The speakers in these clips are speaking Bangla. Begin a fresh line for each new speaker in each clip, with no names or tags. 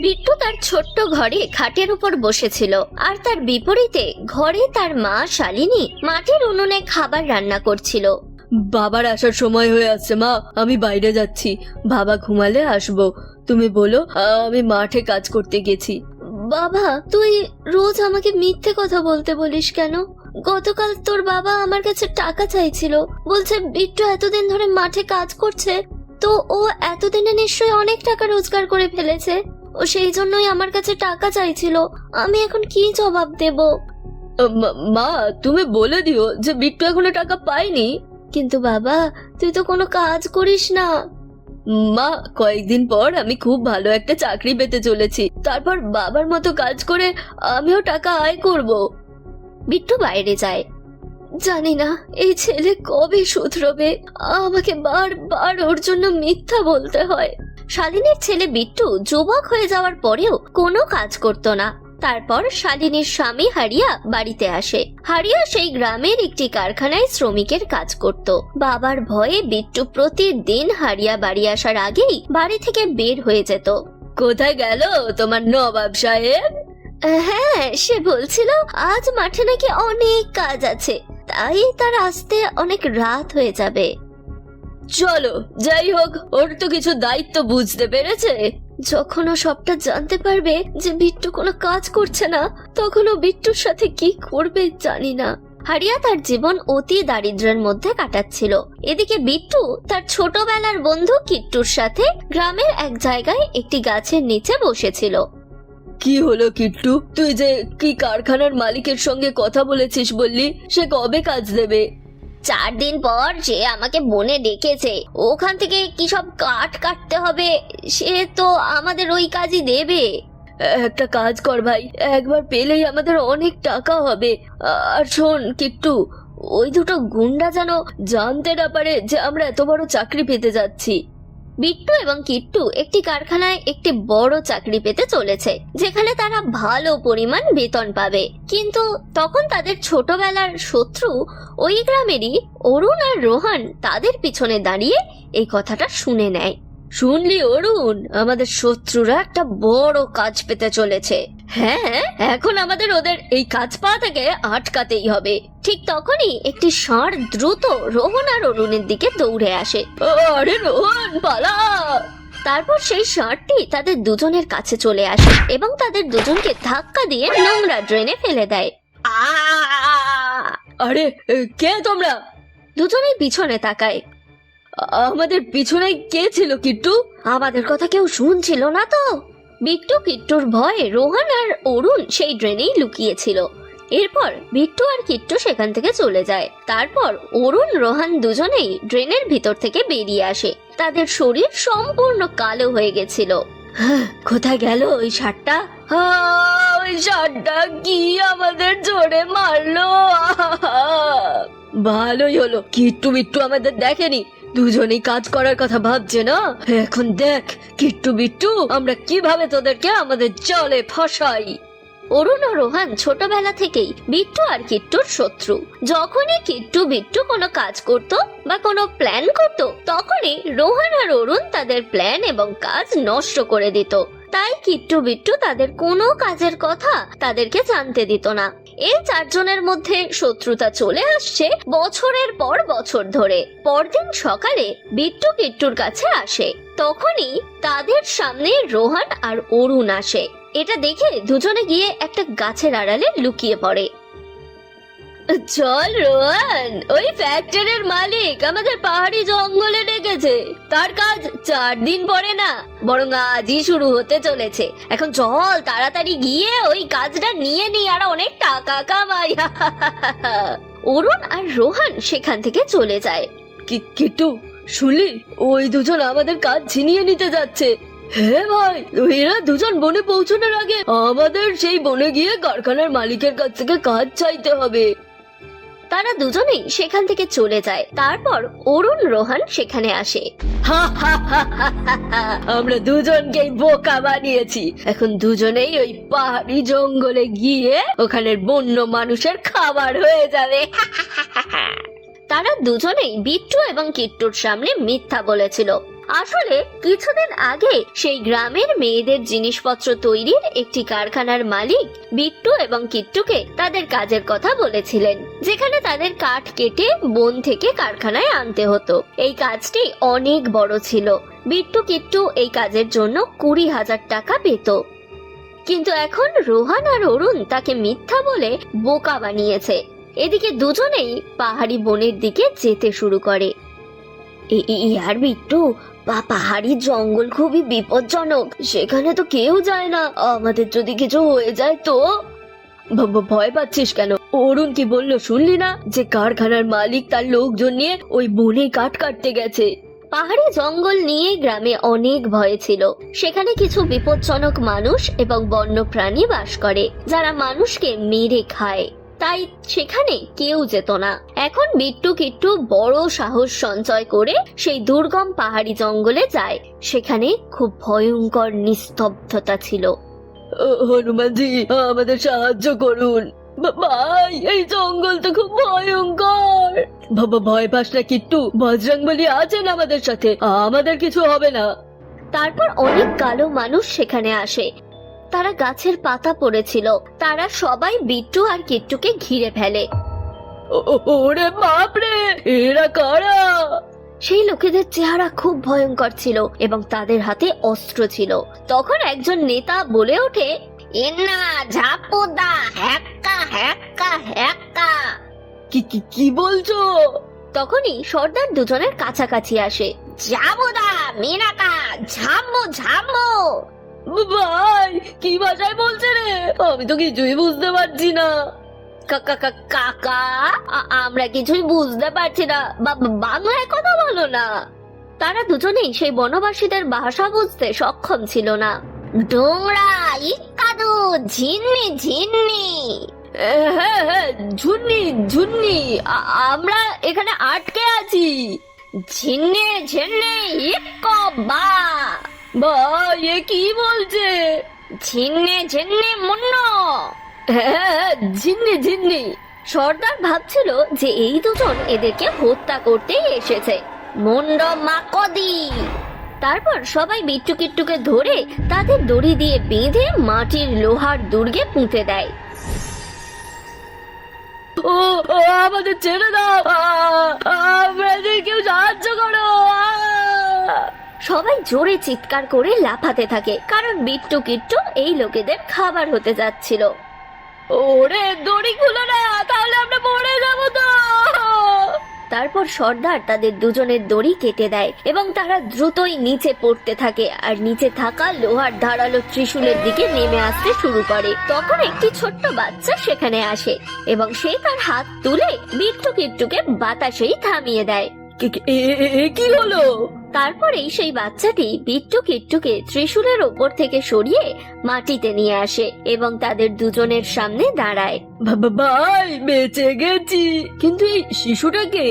বিট্টু তার ছোট্ট ঘরে খাটের উপর বসেছিল, আর তার বিপরীতে ঘরে তার মা শালিনী মাটির উনুনে খাবার রান্না করছিল।
বাবার আসার সময় হয়ে আসছে মা, আমি বাইরে যাচ্ছি, বাবা ঘুমালে আসবো। তুমি বলো, আমি মাঠে কাজ করতে গেছি।
বাবা, তুই রোজ আমাকে মিথ্যে কথা বলতে বলিস কেন? গতকাল তোর বাবা আমার কাছে টাকা চাইছিল, বলছে বিট্টু এতদিন ধরে মাঠে কাজ করছে, তো ও এতদিনে নিশ্চয়ই অনেক টাকা রোজগার করে ফেলেছে, ও সেই জন্যই আমার কাছে টাকা চাইছিল। আমি এখন কি জবাব দেব?
মা, তুমি বলে দিও যে বিট্টু এখনো টাকা পায়নি।
কিন্তু বাবা, তুই তো কোনো কাজ করিস না।
মা, কয়েকদিন পর আমি খুব ভালো একটা চাকরি পেতে চলেছি, তারপর বাবার মতো কাজ করে আমিও টাকা আয় করব।
বিট্টু বাইরে যায়। জানি না এই ছেলে কবে শুধরবে, আমাকে বারবার ওর জন্য মিথ্যা বলতে হয়। শালিনীর ছেলে বিট্টু যুবক হয়ে যাওয়ার পরেও কোনো কাজ করতো না। তারপর শালিনীর স্বামী হারিয়া বাড়িতে আসে। হারিয়া সেই গ্রামের একটি কারখানায় শ্রমিকের কাজ করত। বাবার ভয়ে বিট্টু প্রতিদিন হারিয়া বাড়ি আসার আগেই বাড়ি থেকে বের হয়ে যেত।
কোথায় গেল তোমার নবাব সাহেব?
হ্যাঁ, সে বলছিল আজ মাঠে নাকি অনেক কাজ আছে, তাই তার আসতে অনেক রাত হয়ে যাবে।
চলো, যাই হোক, ওর তো কিছু দায়িত্ব বুঝতে পেরেছে।
যখন ও সবটা জানতে পারবে যে বিট্টু কোনো কাজ করছে না, তখন ও বিট্টুর সাথে কি করবে জানি না। হারিয়া তার জীবন অতি দারিদ্র্যের মধ্যে কাটাচ্ছিল। এদিকে বিট্টু তার ছোটবেলার বন্ধু কিট্টুর সাথে গ্রামের এক জায়গায় একটি গাছের নিচে বসেছিল।
কি হলো কিট্টু, তুই যে কি কারখানার মালিকের সঙ্গে কথা বলেছিস বললি, সে কবে কাজ দেবে?
4 দিন পর সে আমাকে বনে ডেকেছে, ওখান থেকে কি সব কাঠ কাটতে হবে, সে তো আমাদের ওই কাজই দেবে।
একটা কাজ কর ভাই, একবার পেলেই আমাদের অনেক টাকা হবে। আর শোন কিট্টু, ওই দুটো গুন্ডা যেন জানতে না পারে যে আমরা এত বড় চাকরি পেতে যাচ্ছি।
বিট্টু এবং কিট্টু একটি কারখানায় একটি বড় চাকরি পেতে চলেছে, যেখানে তারা ভালো পরিমাণ বেতন পাবে। কিন্তু তখন তাদের ছোটবেলার শত্রু ওই গ্রামেরই অরুণ আর রোহান তাদের পিছনে দাঁড়িয়ে এই কথাটা শুনে নেয়।
শুনলি অরুণ, আমাদের শত্রুরা একটা বড় কাজ পেতে চলেছে। হ্যাঁ, এখন আমাদের ওদের এই কাজ পাওয়া থেকে আটকাতেই হবে।
ঠিক তখনই একটি ষাঁড় দ্রুত রোহন আর অরুণের দিকে দৌড়ে আসে।
আরে রোহন, পালা!
তারপর সেই ষাঁড়টি তাদের দুজনের কাছে চলে আসে এবং তাদের দুজনকে ধাক্কা দিয়ে নোংরা ড্রেনে ফেলে দেয়।
আরে কে তোমরা?
দুজনেই পিছনে তাকায়।
আমাদের পিছনে কে ছিল কিট্টু?
আমাদের কথা কেউ শুনছিল না তো। বিট্টু কিট্টুর ভয়ে রোহন আর অরুণ সেই ড্রেনেই লুকিয়েছিল। এরপর বিট্টু আর কিট্টু সেখান থেকে চলে যায়। তারপর অরুণ রোহান দুজনেই ড্রেনের ভিতর থেকে বেরিয়ে আসে। তাদের শরীর সম্পূর্ণ কালো হয়ে গেছিল।
কোথায় গেল ওই ষাঁড়টা? ওই ষাঁড়টা কি আমাদের জোরে মারলো? ভালোই হলো, কিট্টু বিট্টু আমাদের দেখেনি, দুজনেই কাজ করার কথা ভাবছে না। এখন দেখ কিট্টু বিট্টু, আমরা কিভাবে তোদেরকে আমাদের জালে ফাঁসাই।
অরুণ ও রোহান ছোটবেলা থেকেই বিট্টু আর কিট্টুর শত্রু। যখনই কিট্টু বিট্টু কোনো কাজ করত বা কোনো প্ল্যান করত, তখনই রোহান আর অরুণ তাদের প্ল্যান এবং কাজ নষ্ট করে দিত। তাই কিট্টু বিট্টু তাদের কোনো কাজের কথা তাদেরকে জানতে দিত না। এই 4 জনের মধ্যে শত্রুতা চলে আসছে বছরের পর বছর ধরে। পরদিন সকালে বিট্টু কিট্টুর কাছে আসে, তখনই তাদের সামনে রোহান আর অরুণ আসে। এটা দেখে দুজনে গিয়ে একটা গাছের আড়ালে লুকিয়ে পড়ে।
চল রোহান, ওই ফ্যাক্টরির মালিক আমাদের পাহাড়ি জঙ্গলে ডেকেছে। তার কাজ 4 দিন পরে না, বরং আজই শুরু হতে চলেছে। এখন চল তাড়াতাড়ি গিয়ে ওই কাজটা নিয়ে নি, আর অনেক টাকা কামাই।
অরুণ আর রোহান সেখান থেকে চলে যায়।
কিট্টু, শুনলি, ওই দুজন আমাদের কাজ ছিনিয়ে নিতে যাচ্ছে। হ্যাঁ ভাই, এরা দুজন বনে পৌঁছানোর আগে আমাদের সেই বনে গিয়ে কারখানার মালিকের কাছ থেকে কাজ চাইতে হবে।
তারা দুজনেই সেখান থেকে চলে যায়। তারপর অরুণ রোহান সেখানে আসে।
আমরা দুজনকেই বোকা বানিয়েছি। এখন দুজনেই ওই পাহাড়ি জঙ্গলে গিয়ে ওখানের বন্য মানুষের খাবার হয়ে যাবে।
তারা দুজনেই বিট্টু এবং কিট্টুর সামনে মিথ্যা বলেছিল। আসলে কিছুদিন আগে সেই গ্রামের মেয়েদের জিনিসপত্র তৈরির একটি কারখানার মালিক বিট্টু এবং কিট্টুকে তাদের কাজের কথা বলেছিলেন, যেখানে তাদের কাঠ কেটে বন থেকে কারখানায় আনতে হতো। এই কাজটি অনেক বড় ছিল। বিট্টু কিট্টু এই কাজের জন্য 20,000 টাকা পেত। কিন্তু এখন রোহান আর অরুণ তাকে মিথ্যা বলে বোকা বানিয়েছে। এদিকে দুজনেই পাহাড়ি বনের দিকে যেতে শুরু করে। আর বিট্টু, পাহাড়ি জঙ্গল খুবই বিপজ্জনক, সেখানে তো কেউ যায় না। আমাদের যদি কিছু হয়ে যায় তো? ভয় পাচ্ছিস কেন? অরুণ কি বললো শুনলি না, যে কারখানার মালিক তার লোকজন নিয়ে ওই বনে কাঠ কাটতে গেছে। পাহাড়ি জঙ্গল নিয়ে গ্রামে অনেক ভয় ছিল। সেখানে কিছু বিপজ্জনক মানুষ এবং বন্য প্রাণী বাস করে, যারা মানুষকে মেরে খায়। তাই সেখানে কেউ যেত না। এখন বিট্টু কিট্টু বড় সাহস সঞ্চয় করে সেই দুর্গম পাহাড়ি জঙ্গলে যায়। সেখানে খুব ভয়ঙ্কর নিস্তব্ধতা ছিল। হনুমানজি, আমাদের সাহায্য করুন ভাই, এই জঙ্গল তো খুব ভয়ঙ্কর। ভয় পাস না কিট্টু, বজরংবলী আছেন আমাদের সাথে, আমাদের কিছু হবে না। তারপর অনেক কালো মানুষ সেখানে আসে। তারা গাছের পাতা পড়েছিল। তারা সবাই বিট্টু আর কিট্টুকে ঘিরে ফেলে। ওরে বাপরে, এরা কারা? সেই লোকেদের চেহারা খুব ভয়ঙ্কর ছিল এবং তাদের হাতে অস্ত্র ছিল। তখন একজন নেতা বলে ওঠে, এনা ঝাপুদা হ্যাক্কা হ্যাক্কা হ্যাক্কা। কি বলছো? তখনই সর্দার দুজনের কাছাকাছি আসে। জাবুদা মিনাকা ঝাম্বু ঝাম্বু। ভাই, কি ভাষায় বলছে রে? আমি তো কিছুই বুঝতে পারছি না। কাকা, আমরা কিছুই বুঝতে পারছি না, বাংলায় কথা বলো না। তারা দুজনেই সেই বনবাসীদের ভাষা বুঝতে সক্ষম ছিল না। ডোংরা ইকাদু ঝিন্নি ঝিন্নি। হ্যাঁ, ঝুন্নি ঝুন্নি, আমরা এখানে আটকে আছি। ঝিন্নে ঝিন্নে ইকবা। ভাই, এ কি বলছে? ঝিন্নে ঝিন্নি মুন্ন। হ্যাঁ, ঝিন্নি ঝিন্নি। সর্দার ভাবছিল যে এই দুজন এদেরকে হত্যা করতেই এসেছে। মুন্ড মাকদি। তারপর সবাই বিট্টু কিট্টুকে ধরে তাদের দড়ি দিয়ে বেঁধে মাটির লোহার দুর্গে পুঁতে দেয়। ও আমাদের ছেড়ে দাও, আমাদের কেউ সাহায্য করো। সবাই জোরে চিৎকার করে লাফাতে থাকে, কারণ বিট্টু কিট্টু এই লোকেদের খাবার হতে যাচ্ছিল। ওরে দড়ি খুলো না, তাহলে আমরা মরে যাবো তো। তারপর সর্দার তাদের দুজনের দড়ি কেটে দেয় এবং তারা দ্রুতই নিচে পড়তে থাকে আর নিচে থাকা লোহার ধারালো ত্রিশূলের দিকে নেমে আসতে শুরু করে। তখন একটি ছোট্ট বাচ্চা সেখানে আসে এবং সে তার হাত তুলে বিট্টু কিট্টুকে বাতাসেই থামিয়ে দেয়। কি হলো? তারপরেই সেই বাচ্চাটি বিট্টু কিট্টুকে ত্রিশূলের ওপর থেকে সরিয়ে মাটিতে নিয়ে আসে এবং তাদের দুজনের সামনে দাঁড়ায়। ভাই, বেঁচে গেছি, কিন্তু এই শিশুটাকে?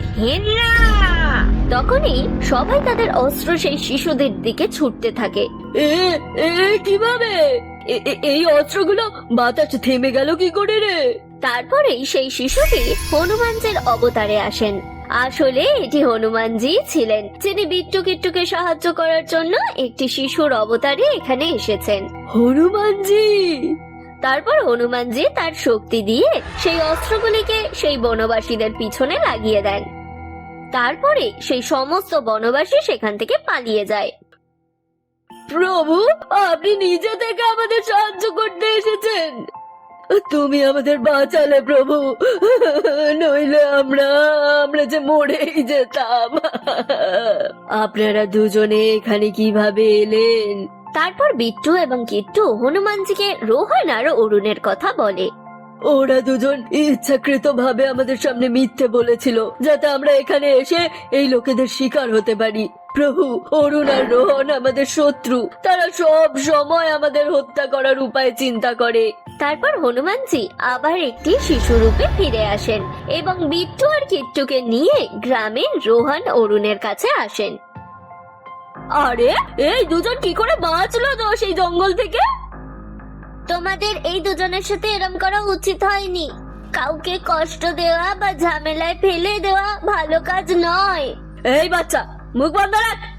তখনই সবাই তাদের অস্ত্র সেই শিশুদের দিকে ছুটতে থাকে। কিভাবে? এই অস্ত্রগুলো বাতাস থেমে গেল কি করে রে? তারপরেই সেই শিশুটি হনুমানজির অবতারে আসেন। আসলে এটি হনুমানজি ছিলেন, যিনি বিট্টু কিট্টুকে সাহায্য করার জন্য একটি শিশুর অবতারে এখানে এসেছেন। হনুমানজি। তারপর হনুমানজি তার শক্তি দিয়ে সেই অস্ত্রগুলিকে সেই বনবাসীদের পিছনে লাগিয়ে দেন। তারপরে সেই সমস্ত বনবাসী সেখান থেকে পালিয়ে যায়। প্রভু, আপনি নিজে থেকে আমাদের সাহায্য করতে এসেছেন। তুমি আমাদের বাঁচালে প্রভু, নইলে আমরা যে মরেই যেতাম। আপনারা দুজনে এখানে কিভাবে এলেন? তারপর বিট্টু এবং কিট্টু হনুমানজিকে রোহন আর অরুণের কথা বলে। ওরা দুজন ইচ্ছাকৃতভাবে আমাদের সামনে মিথ্যে বলেছিল, যাতে আমরা এখানে এসে এই লোকেদের শিকার হতে পারি। প্রভু, অরুণ আর রোহন আমাদের শত্রু, তারা সব সময় আমাদের হত্যা করার উপায় চিন্তা করে। তারপর হনুমানজি আবার একটি শিশু রূপে ফিরে আসেন এবং বিট্টু আর কিট্টুকে নিয়ে গ্রামে রোহন অরুণের কাছে আসেন। আরে, এই দুজন কি করে বাঁচলো তো সেই জঙ্গল থেকে? তোমাদের এই দুজনের সাথে এরম করা উচিত হয়নি। কাউকে কষ্ট দেওয়া বা ঝামেলায় ফেলে দেওয়া ভালো কাজ নয়। এই বাচ্চা, মুখ বন্ধ রাখ,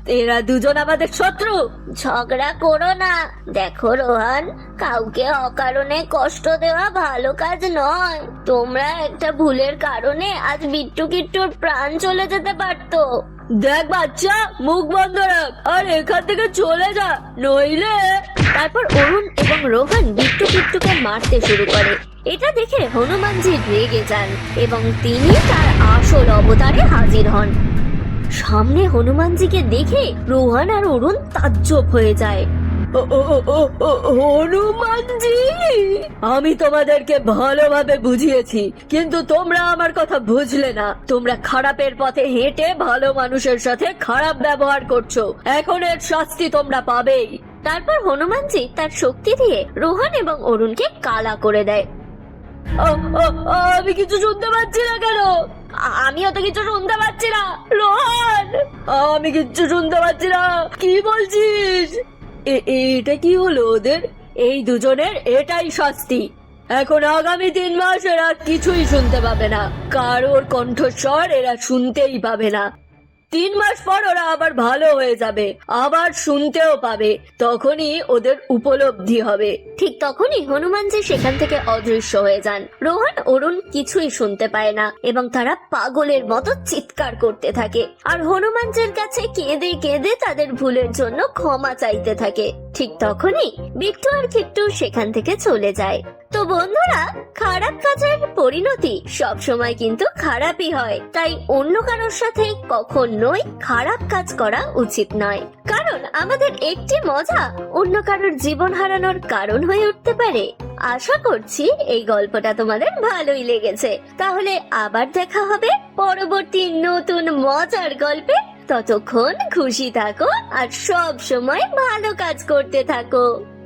এরা দুজন আমাদের শত্রু।
ঝগড়া করো না। দেখো রোহান, কাউকে অকারণে কষ্ট দেওয়া ভালো কাজ নয়। তোমরা একটা ভুলের কারণে আজ বিট্টু কিট্টুর প্রাণ চলে যেতে পারতো।
দেখ বাচ্চা, মুখ বন্ধ রাখ আর এখান থেকে চলে যা, নইলে।
তারপর অরুণ এবং রোহন বিট্টু কিট্টুকে মারতে শুরু করে। এটা দেখে হনুমানজি রেগে যান এবং তিনি তার আসল অবতারে হাজির হন। সামনে হনুমানজিকে দেখে রোহন আর অরুণ তাজ্জব হয়ে যায়।
হনুমানজি, আমি তোমাদেরকে ভালোভাবে বুঝিয়েছি, কিন্তু তোমরা আমার কথা বুঝলে না। তোমরা খারাপের পথে হেঁটে ভালো মানুষের সাথে খারাপ ব্যবহার করছো। এখন এর শাস্তি তোমরা পাবেই।
তারপর হনুমানজি তার শক্তি দিয়ে রোহন এবং অরুণকে কালা করে দেয়।
আমি কিছু শুনতে পাচ্ছি না কেন?
আমিও তো কিছু শুনতে পাচ্ছি না।
রোহন, আমি কিচ্ছু শুনতে পাচ্ছি না। কি বলছিস? এটা কি হলো ওদের? এই দুজনের এটাই শাস্তি। এখন আগামী 3 মাস এরা কিছুই শুনতে পাবে না, কারোর কণ্ঠস্বর এরা শুনতেই পাবে না। 3 মাস পর ওরা আবার ভালো হয়ে যাবে, আবার শুনতেও পাবে। তখনই ওদের উপলব্ধি হবে।
ঠিক তখনই হনুমানজি সেখান থেকে অদৃশ্য হয়ে যান। রোহন অরুণ কিছুই শুনতে পায় না এবং তারা পাগলের মতো চিৎকার করতে থাকে আর হনুমানজির কাছে কেঁদে কেঁদে তাদের ভুলের জন্য ক্ষমা চাইতে থাকে। ঠিক তখনই বিট্টু আর কিট্টু সেখান থেকে চলে যায়। তো বন্ধুরা, খারাপ কাজের পরিণতি সব সময় কিন্তু খারাপই হয়। তাই অন্য কারোর সাথে কখনোই খারাপ কাজ করা উচিত নয়, কারণ আমাদের একটি মজা অন্য কারোর জীবন হারানোর কারণ হয়ে উঠতে পারে। আশা করছি এই গল্পটা তোমাদের ভালোই লেগেছে। তাহলে আবার দেখা হবে পরবর্তী নতুন মজার গল্পে। ততক্ষণ খুশি থাকো আর সব সময় ভালো কাজ করতে থাকো।